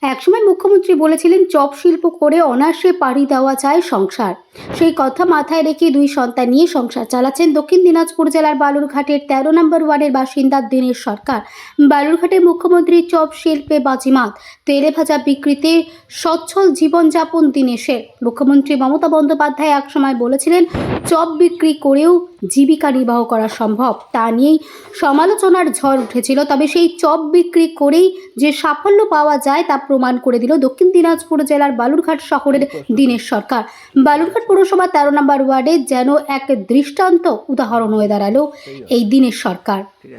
একসময় মুখ্যমন্ত্রী বলেছিলেন চপ শিল্প করে অনায়াসে পাড়ি দেওয়া যায় সংসার। সেই কথা মাথায় রেখে দুই সন্তান নিয়ে সংসার চালাচ্ছেন দক্ষিণ দিনাজপুর জেলার বালুরঘাটের ১৩ নম্বর ওয়ার্ডের বাসিন্দা দীনেশ সরকার। বালুরঘাটের মুখ্যমন্ত্রী চপ শিল্পে বাজিমাত, তেলে ভাজা বিক্রিতে সচ্ছল জীবনযাপন দীনেশের। মুখ্যমন্ত্রী মমতা বন্দ্যোপাধ্যায় একসময় বলেছিলেন চপ বিক্রি করেও জীবিকা নির্বাহ করা সম্ভব। তা নিয়েই সমালোচনার ঝড় উঠেছিল, তবে সেই চপ বিক্রি করেই যে সাফল্য পাওয়া যায় তা প্রমাণ করে দিল দক্ষিণ দিনাজপুর জেলার বালুরঘাট শহরের দীনেশ সরকার। বালুরঘাট পৌরসভা ১৩ নম্বর ওয়ার্ডে যেন এক দৃষ্টান্ত উদাহরণ হয়ে দাঁড়ালো এই দীনেশ সরকার।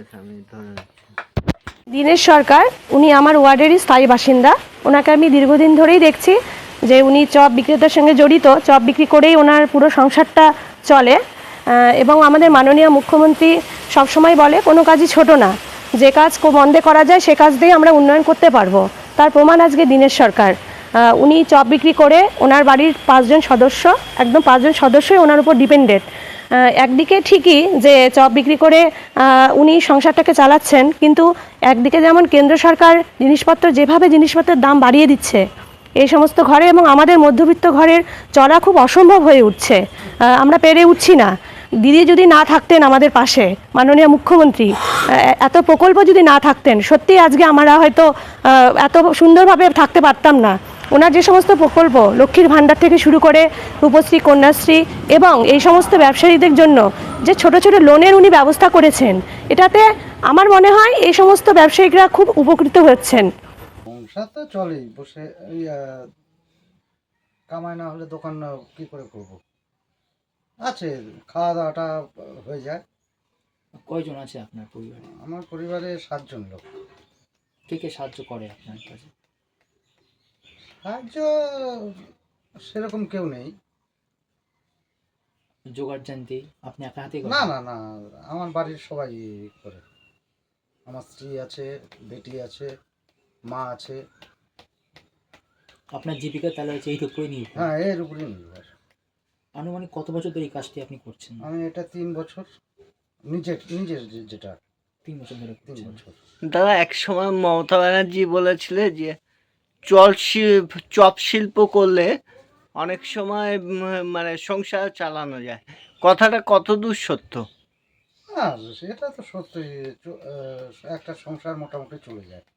দীনেশ সরকার উনি আমার ওয়ার্ডেরই স্থায়ী বাসিন্দা। ওনাকে আমি দীর্ঘদিন ধরেই দেখছি যে উনি চপ বিক্রেতার সঙ্গে জড়িত, চপ বিক্রি করেই ওনার পুরো সংসারটা চলে। এবং আমাদের মাননীয় মুখ্যমন্ত্রী সবসময় বলে কোনো কাজই ছোট না, যে কাজ মন্দে করা যায় সে কাজ দিয়ে আমরা উন্নয়ন করতে পারবো। তার প্রমাণ আজকে দীনেশ সরকার। উনি চপ বিক্রি করে ওনার বাড়ির ৫ জন সদস্য, একদম ৫ জন সদস্যই ওনার উপর ডিপেন্ডেড। একদিকে ঠিকই যে চপ বিক্রি করে উনি সংসারটাকে চালাচ্ছেন, কিন্তু একদিকে যেমন কেন্দ্র সরকার যেভাবে জিনিসপত্রের দাম বাড়িয়ে দিচ্ছে এই সমস্ত ঘরে, এবং আমাদের মধ্যবিত্ত ঘরের চলা খুব অসম্ভব হয়ে উঠছে। আমরা পেরে উঠছি না। দিদি যদি না থাকতেন আমাদের পাশে, মাননীয় মুখ্যমন্ত্রী এত প্রকল্প যদি না থাকতেন, সত্যি আজকে আমরা হয়তো এত সুন্দরভাবে থাকতে পারতাম না। ওনার যে সমস্ত প্রকল্প, লক্ষ্মীর ভাণ্ডার থেকে শুরু করে রূপশ্রী, কন্যাশ্রী এবং এই সমস্ত ব্যবসায়ীদের জন্য যে ছোট ছোট লোনের উনি ব্যবস্থা করেছেন, এটাতে আমার মনে হয় এই সমস্ত ব্যবসায়িকরা খুব উপকৃত হচ্ছেন। সংসার তো চলেই, বসে কামাই না হলে দোকান কি করে করব। আছে, খাওয়া দাওয়াটা হয়ে যায়। কয়জন আছে আপনার পরিবারে? আমার পরিবারে 7 জন লোক। কে কে সাহায্য করে আপনার কাছে? সাহায্য সেরকম কেউ নেই। জোগাড় জানতে আপনি একা হাতে করেন? না না না, আমার বাড়ির সবাই করে। আমার স্ত্রী আছে, বেটি আছে, মা আছে। আপনার জীবিকা তাহলে হচ্ছে এইর উপরে নির্ভর? হ্যাঁ, এর উপরেই নির্ভর। আনুমানিক কত বছর ধরে এই কাজটি আপনি করছেন? আমি এটা 3 বছর, নিজের যেটা 3 বছর ধরে 3 করছেন। বছর। দাদা, এক সময় মমতা ব্যানার্জি বলেছিলে যে চপ শিল্প করলে অনেক সময় মানে সংসার চালানো যায়। কথাটা কতদূর সত্য? হ্যাঁ, সেটা তো সত্যি। একটা সংসার মোটামুটি চলে যায়।